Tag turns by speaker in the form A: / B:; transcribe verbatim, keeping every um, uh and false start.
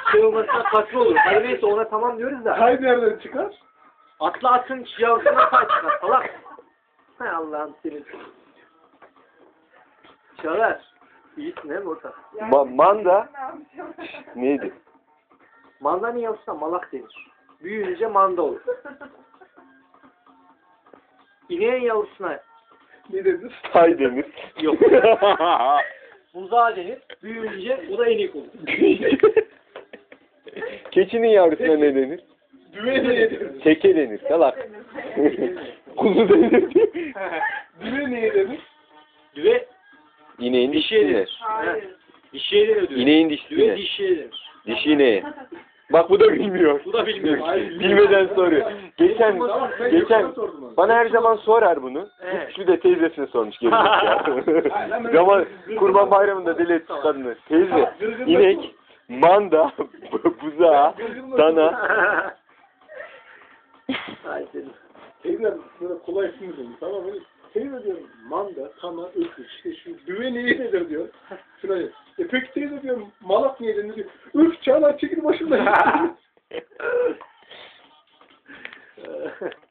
A: şey olmasına farklı olur. Hadi neyse ona tamam diyoruz da.
B: Tay nereden çıkar?
A: Atlı atın yavrusuna tay çıkar. Salak. Hay Allah'ım senin. Çağlar. İyisin he mi orta?
C: Ma manda neydi?
A: Mandanın yavrusuna malak denir. Büyüyünce manda olur. İneğin yavrusuna
B: Ne dediniz?
C: Tay denir.
A: yok. Buzağı denir. Büyüyünce o da inek olur.
C: Keçinin yavrusuna ne denir?
B: Düve neye denir?
C: Teke denir. Salak. Kuzu denir.
B: Düve neye denir?
A: Düve
C: İneğin
A: dişiye
C: dişi ne?
A: denir. Evet. Dişiye denir düve.
C: İneğin dişi
A: Düve
C: ne?
A: dişiye denir.
C: Dişi ne? Bak bu da bilmiyor.
A: Bu da bilmiyor.
C: Bilmeden soruyor. Geçen
B: Tamam, ben
C: geçen
B: yoksa sordum onu.
C: bana her zaman sorar bunu.
A: Evet.
C: Şu de teyzesine sormuş gerizekalı. Zaman Kurban Bayramı'nda deli etmiş kadını. Teyze, inek, manda, buzağı, dana.
A: Ay senin.
B: Teyze böyle kolay isim dedim. Tamam mı? Teyze diyorum manda, tana, öküz. İşte şu düve neye denir diyor. Şuna diyor. E peki teyze diyorum malak niye denir diyor. Üf Çağlar çekil başımdan.